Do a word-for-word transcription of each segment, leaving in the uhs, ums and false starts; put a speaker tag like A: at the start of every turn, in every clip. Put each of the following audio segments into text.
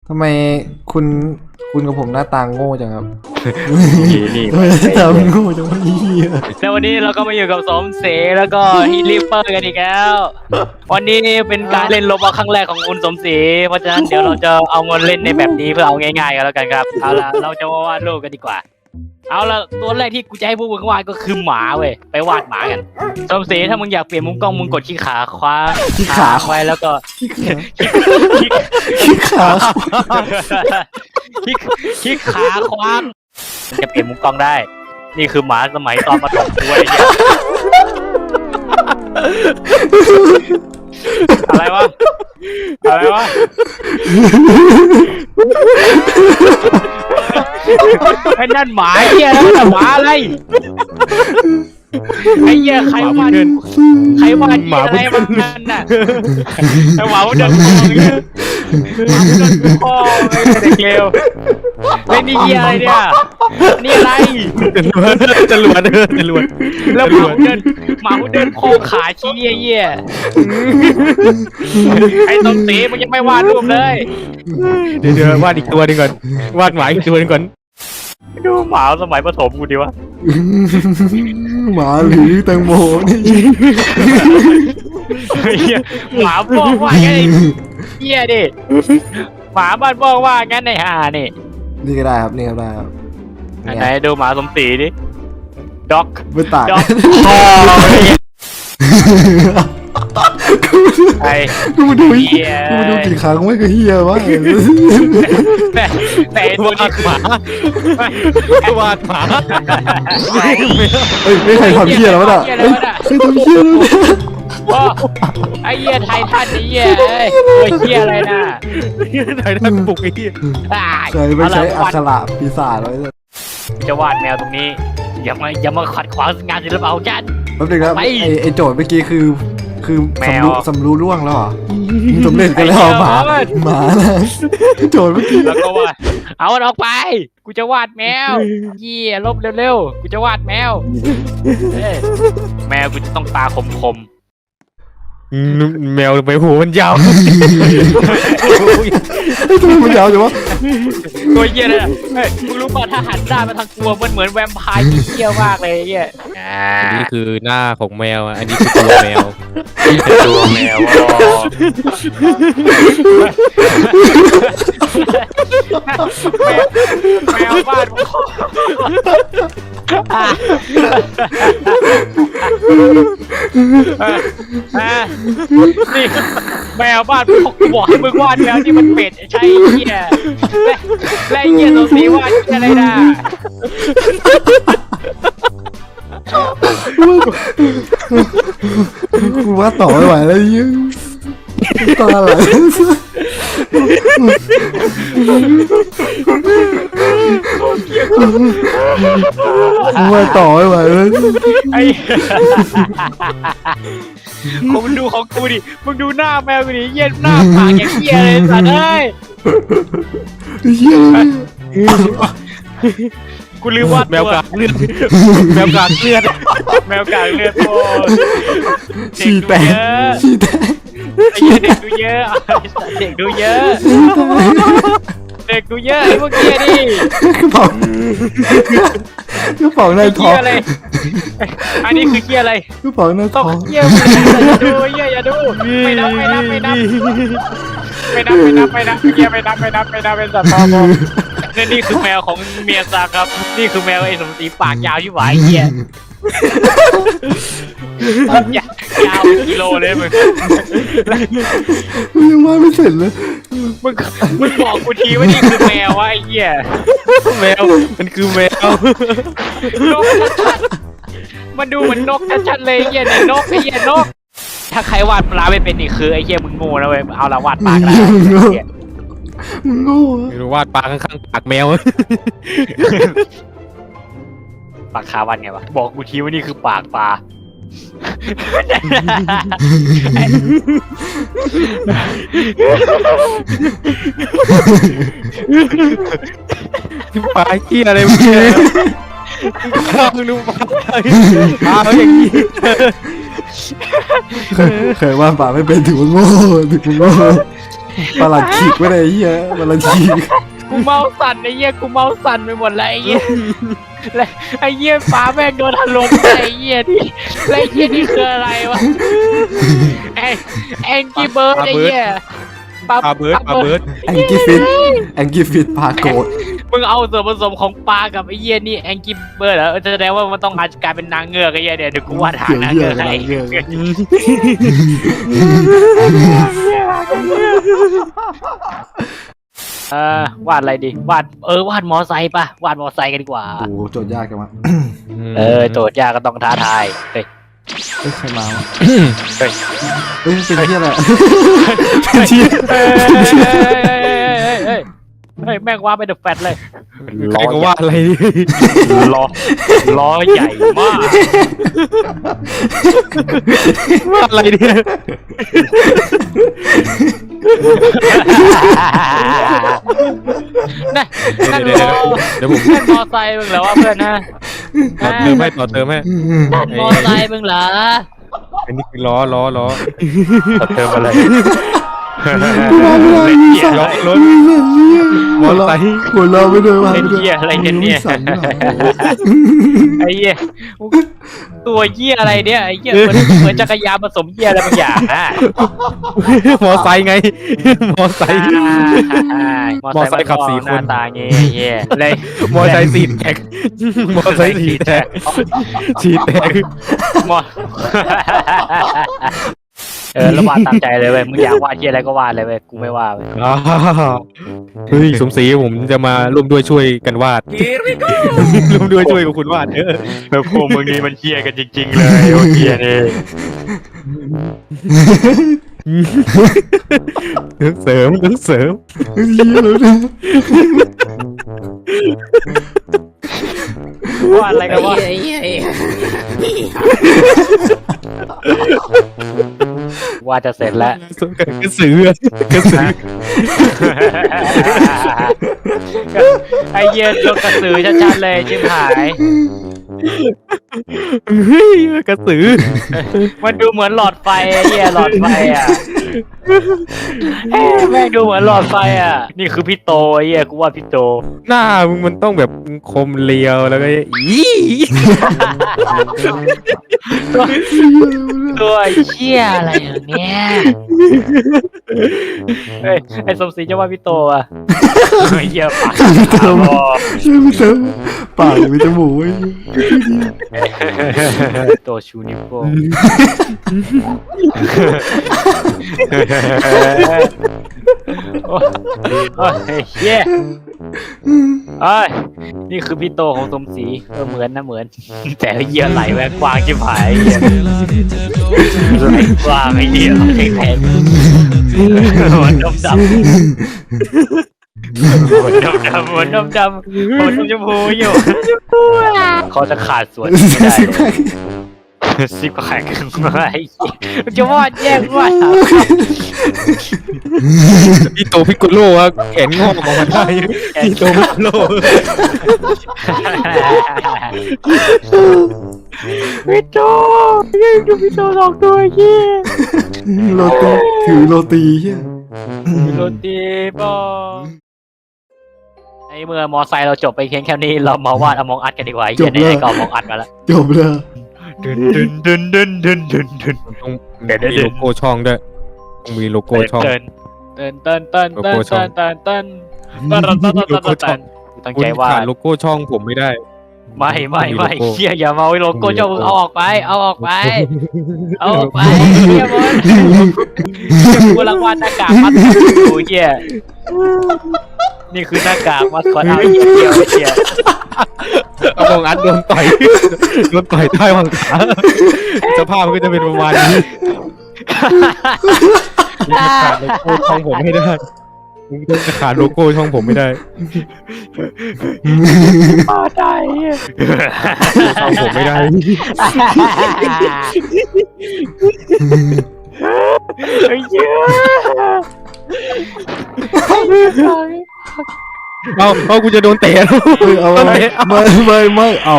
A: ทำไมคุณคุณกับผมหน้าตาโง่จังครับ
B: นี่นี่
A: ทำไมหน้าตาโง่จังวะเหี้ย
B: แล้ววันนี้เราก็มาอยู่กับสมศรีแล้วก็ฮีลิปเปอร์กันอีกแล้ววันนี้เป็นการเล่นโรบอทครั้งแรกของคุณสมศรีเพราะฉะนั้นเดี๋ยวเราจะเอาเงินเล่นในแบบนี้เพื่อเอาง่ายๆกันแล้วกันครับเอาล่ะเราจะมาวาดรูปกันดีกว่าเอาละตัวแรกที่กูจะให้พวกมึงวาดก็คือหมาเว้ยไปวาดหมากันสมศรีถ้ามึงอยากเปลี่ยนมุมกล้องมึงกดขี้ขาคว้า
A: ขี้ขา
B: ไว้แล้วก็
A: ขี้ขา
B: ขี้ขี้ขาคว้างจะเปลี่ยนมุมกล้องได้นี่คือหมาสมัยตอนประถมด้วยเนี่ยอะไรวะอะไรวะไอ้นั่นหมาเหี้ยแล้วแต่หมาอะไรไอ้เหี้ยใครวาดใครวาดหมาอะไรมันนั่นน่ะไอ้หมาเดินคอเนี่ยหมาเดินคอไอ้เด็กเลวเล่นนี่เหี้ยอะไรเนี่ยนี่อะไรจรวดจรวดจรวดแล้วหมาเดินหมาเดินคอขาชี้เหี้ยไอ้ต้นสีมันยังไม่วาดรูปเลยเดี๋ยวเดี๋ยววาดอีกตัวนึงก่อนวาดหมาอีกตัวนึงก่อนดูหมาสมัยประถมกูดีวะ
A: หมาหรือแตงโมนี่
B: หมาบอกว่าไงเหี้ยดิหมาบ้านบอกว่างั้นในห่านี่
A: นี่ก็ได้ครับนี่ก็ได้ครับ
B: ไหนดูหมาสมศรีดิด็อก
A: ไม่ต่าง
B: ด็อกไอ้
A: กูมาดู
B: เหี้ย
A: กูมาดูกี่ครั้งไม่ก็เฮียวะ
B: แต่แต่ตัวนี้หมาวาดหมา
A: เฮ้ยไม่ใครทำเฮียแล้ววะน่ะเฮ้ยใครทำเฮียแล้วเนี่ย
B: ไอ้เหี้ยไททันไอ้เหี้ยเอ้ยไอ้เหี้ยอะไรน่ะไททันปลุกไอ้เหี้ย
A: เคยไม่ใช้อักขระปีศาจไว้เลย
B: จะวาดแมวตรงนี้อย่ามาอย่ามาขัดขวางงานศิลปะของฉัน
A: แป๊บนึงครับไอไอโจทย์เมื่อกี้คือคือ
B: แม
A: สำ
B: ว
A: รู้สำรู้ร่วงแล้วเหรอสำเร็จกันแล้วหมาหมานะโจทย์เมื่อกี้
B: แล้วก็วาดเอามันออกไปกูจะวาดแมวเหี้ยลบเร็วๆกูจะวาดแมวแมวกูจะต้องตาคมๆแมวไปหูมันยาว
A: ไอ้ตัวมันยาวจังวะ
B: ตัวเหี้ยเลยเฮ้ยมึงรู้ป่ะถ้าหันด้านมาทางตัวมันเหมือนแวมไพร์ที่เหี้ยมากเลยเหี้ย
C: อันนี้คือหน้าของแมว อันนี้คือตัวแมว
B: ตัวแมวแมวบ้านนี่แมวบ้านบอกให้มึงวาดแล้วที่มันเป็ดใช่เหี้ยและเหี้ยตัวสีวาดอะไรนะ
A: กูว่าต่อไม่ไหวแล้วยิ่งตาไหลกูว่าต่อไม่ไหวแล้ว
B: ไอ้มึงดูของกูดิมึงดูหน้าแมวกูดิเหี้ยหน้าปากอย่างเหี้ยเลยสัตว์เอ้ย
A: เฮีย
B: กูลืมวาด
C: แมวกากเลือด แมวกากเลือด
B: แมวกากเลือดโคตร
A: ฉี่แตกฉี่แตก
B: เด็กดูเยอะเด็กดูเยอะเด็กดูเยอะไอ้พวกเกี้ยดิ
A: กระเป๋า กระเป๋าในท้อง
B: อะไรอันนี้คือเกี้ยอะไร
A: กระเป๋าใน
B: ต้
A: ท้
B: อง
A: อง
B: เกี้ยอย่าดูอย่าดูไม่นับไม่นับไม่นับไม่นับไม่นับไม่นับเกี้ยไม่นับไม่นับไม่นับเป็นสัตว์ทองนี่นี่คือแมวของเมียซาครับนี่คือแมวไอ้สมศรีปากยาวที่หวายเกี้ยยาวกิโลเลยมึง
A: กูยังว่าไม่เสร็จเลย
B: มึงมึงบอกกูทีว่านี่คือแมววะไอ้เหี้ย
C: แมว มันคือแมว
B: นกชัดๆมันดูเหมือนนกชัดๆเลยไอ้เหี้ยเนี่ยนกไอ้เหี้ยนกถ้าใครวาดปลาไม่เป็นนี่คือไอ้เหี้ยมึงโง่นะเว้ยเอาละวาดปลากัน
A: มึงโง่
C: ไม่รู้วาดปลาข้างๆปากแมว
B: ปากคาวันไงวะบอกกูทีว่านี่คือปากปลา
C: ปลาเกี้ยอะไรมึงเนี่ยข้าวดูปลาปลาเขาอย่างนี้
A: เคยเคยว่าป่าไม่เป็นถือว่าโง่ถือว่าโง่ประหลัดขีกไว้เลยไอ้เหี้ยประหลัดขีก
B: กูเมาสั่นไอ้เหี้ยกูเมาสั่นไปหมดเลยไอ้เหี้ยแล้วไอ้เหี้ยฟ้าแม่งโดนถล่มไอ้เหี้ยที่แล้วไอ้เหี้ยนี่คืออะไรวะแองแองกี้เบิร์ดไอ้เหี้ย
C: ปลาเบิร์ดปลาเบิร์ด
A: แองกี้ฟิตแองกี้ฟิตปลาโกด
B: มึงเอาส่วนผสมของปลากับไอ้เหี้ยนี่แองกี้เบิร์ดเหรอแสดงว่ามันต้องมากลายเป็นนางเงือกไอ้เหี้ยเดี๋ยวเดี๋ยวกูวาดหางนางเงือกให้ เออวาดอะไรดีวาดเออวาดมอไซค์ป่ะวาดมอไซค์กันดีกว่า
A: โอ้โหโจทย์ยากจังวะ
B: เออโจทย์ยากก็ต้องท้าทายเฮ้ย
A: เอ้ยใครมาวะ
B: เฮ้ย
A: เอ้ยเป็นที่อะไรเป็นที่
B: เฮ้ยเฮ้ยเฮ้ยแม่งว่าไปเดอะแฟตเลย
C: ใครก็ว่าอะไร
B: ล้อล้อใหญ่มาก
C: ว่าอะไรเนี่ย
B: นั่นนั่น
C: เดี๋ยว
B: ล้อ
C: เดี๋ยวผม
B: นั่นมอไซค์มึงเหรอวะเพื่อนนะ
C: ต่อเติมให้ต่อเติมให้
B: นั่นมอไซค์มึงเหรอ
C: อันนี้คือล้อล้อล้อ
B: ต่อเติมอะไร
C: ล้อรถมอเตอร์ไซค์
A: หัวเราะไปด้วยว่า
B: เป็นเหี้ยอะไรกันเนี่ย
A: สั่นหน่อย
B: ไอ้เหี้ยตัวเหี้ยอะไรเนี่ยไอ้เหี้ยเหมือนเหมือนจักรยานผสมเหี้ยอะไรบางอย่างอ่ะ
C: มอไซค์ไง มอไซค์
B: มอไซค์ขับสี่คนหน้าตาเงี้ยเหี้ยเลย
C: มอไซค์สีแตกมอไซค์สีแตกสีแตก
B: มอเออแล้ววาดตามใจเลยเว้ยมึงอยากวาดเหี้ยอะไรก็วาดเลยเว้ยกูไม่ว่าเว้ย
C: อ้าวเฮ้ยสมศรีผมจะมาร่วมด้วยช่วยกันวาดร่วมด้วยช่วยกับคุณวาดเออ
B: แล้วพวกมึงนี่มันเหี้ยกันจริงๆเลยโอ้เหี้ยนี่
C: ต้องเสริมต้องเสริม
A: เฮ้ยแล้วนะ
B: วาดอะไรกันวะวาดจะเสร็จแล้ว
C: กระสือกระสือ
B: ไอ้เหี้ยโดนกระสือชัดๆเลยชิบหาย
C: เฮ้ยกระสือ
B: มันดูเหมือนหลอดไฟไอ้เหี้ยหลอดไฟอ่ะเอ้ยแม่งดูเหมือนหลอดไฟอ่ะนี่คือพี่โตไอ้เหี้ยกูว่าพี่โต
C: หน้ามึงมันต้องแบบคมเลียวแล้วก็อี
B: ตัวเหี้ยอะไรอย่างเนี้ยเฮ้ยไอ้สมศรีจะว่าพี่โตอ่ะไอ้เหี้ยปาก
A: เติมช่วยไม่เติมปากมีจมูกไว้
B: โตชูนิโป้โอ้ยเหี้ยเอ้ยนี่คือพี่โตของสมศรีเออเหมือนนะเหมือนแต่เหี้ยไหลแหวกกว้างชิบหายเหี้ยไหลกว้างไอ้เหี้ยแข็งแข็งหัวดำดำหัวดำดำหัวดำดำหัวชมพูอยู่เขาจะขาดส่วนไม่ได้ซิบก็แข็งไอ้เหี้ยจะวาดแย่งวาด
C: พี่โตพิกโกโลอะแขนงอกออกมาได้พี่โตพิกโกโล
B: พี่โตยังดูพี่โตสองตัวเหี้ย
A: โรตีถือโรตีเฮีย
B: โรตีบอไอเมื่อมอไซค์เราจบไปเพียงแค่นี้เรามาวาดอมองอัดกันดีกว่าเหี้ยได้ก็อมองอัดมาแล้ว
A: จบเลย
B: ดึนดึนดึนดึนดึนดึนดึน
C: ต้องมีโลโก้ช่องด้วยต้องมีโลโก้ช่อง
B: เต้นเต้นเต้นเต้นเต้นเต้นเต้นเต้นเต้นเต้นเต้นเต้นเต้นตั้ง
C: คุณ
B: ใจว่า
C: ขาดโลโก้ช่องผมไม่ได้
B: ไม่ไม่ไม่เฮียอย่ามาโลโก้เจ้ามึงเอาออกไปเอาออกไปเอาออกไปเฮียมันกูรางวัลหน้ากากมัดกูเฮียนี่คือหน้ากากมัดคอเอาเฮียเดียวเฮีย
C: เอามองอัดโดนต่อยโดนต่อยใต้วังขาสภาพมันก็จะเป็นประมาณนี้ขาดโลโก้ช่องผมไม่ได้มึงจะขาดโลโก้ช่องผมไม่ได้
B: มาได้เฮีย
C: ช่องผมไม่ได้
B: ไอ้เหี้ย
C: เอาเอากูจะโดนเตะแล้ว
A: เฮ้ยเอาอะไรไม่ไม่ไม่เอา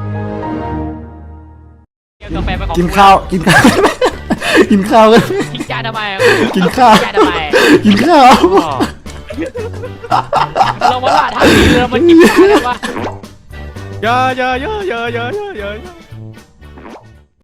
A: กินข้าวกินข้าวกินข้าวกัน
B: จริงจังจานทำไม
A: กินข้าว
B: จานทำไม
A: กินข้าว
B: เราว่าละทางนี้เรามันกินจานแล้ววะ
C: อย่าอย่าอย่าอย่าอย่าอย่าอย่า